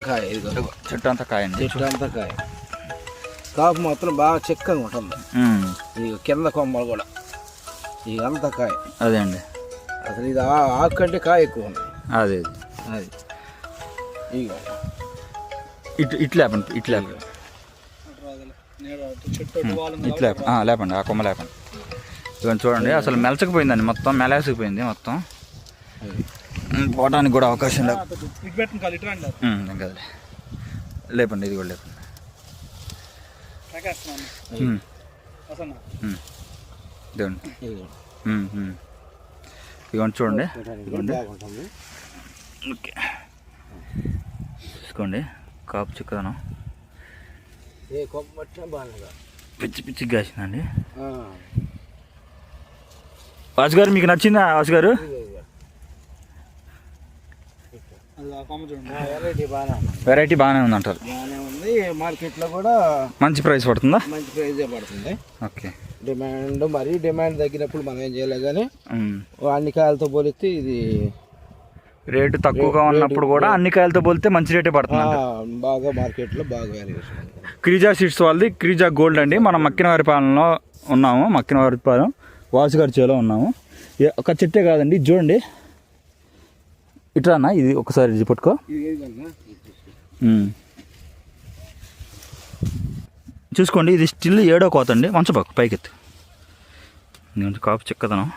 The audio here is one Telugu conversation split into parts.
కాయ ఇది చెట్టు అంతా కాయ అండి. చెట్టు అంతా కాయ. కాపు మాత్రం బాగా చిక్కగా ఉంటుంది. ఇక కింద కొమ్మలు కూడా ఇక అంతా కాయ. అదే అండి. అసలు ఇది ఆకు కంటే కాయ ఎక్కువ ఉంది. అదే అది ఇక ఇట్లా లేపండి. ఇట్లా లేపండి. ఆ కొమ్మ లేపండి. ఇవన్నీ చూడండి అసలు మెలచకపోయిందండి, మొత్తం మెలేసిపోయింది మొత్తం. పోవడానికి కూడా అవకాశం లేదు. లేపండి, ఇది కూడా లేపండి. ఇదిగోండి చూడండి. ఓకే చూసుకోండి కాపు చిక్కదనం పిచ్చి పిచ్చిగా కాసిందండి. వాసు గారు మీకు నచ్చిందా? వాసు గారు వెరైటీ బాగానే ఉంది అంటారు. బాగానే ఉంది. మార్కెట్లో కూడా మంచి ప్రైస్ పడుతుందా? మంచి ప్రైజే పడుతుంది. ఓకే. డిమాండ్ తగ్గినప్పుడు మనం ఏం చేయలే కానీ అన్ని కాయలతో పోలిస్తే ఇది రేటు తక్కువగా ఉన్నప్పుడు కూడా అన్ని కాయలతో పోలితే మంచి రేటే పడుతుంది. బాగా మార్కెట్లో బాగా వాల్యుయేషన్. క్రీజా సీడ్స్ వాళ్ళది క్రీజా గోల్డ్ అండి. మనం మక్కినవారిపాలెంలో ఉన్నాము. మక్కినవారిపాలెం వాసు గారి చేలో ఉన్నాము. ఒక చెట్టే కాదండి, చూడండి ఇట్లా ఇది ఒకసారి ఇది పట్టుకో. చూసుకోండి ఇది స్టిల్ 7వ కోత అండి. మంచబాకు పైకెత్తి కాపు చిక్కదనం.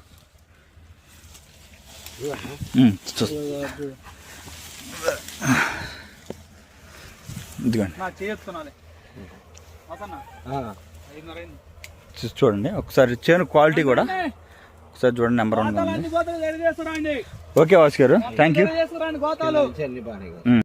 ఇదిగోండి చూడండి ఒకసారి చేను క్వాలిటీ కూడా ఒకసారి చూడండి. నెంబర్ 1 ఉంది. ఓకే వాసు గారు, థ్యాంక్ యూ.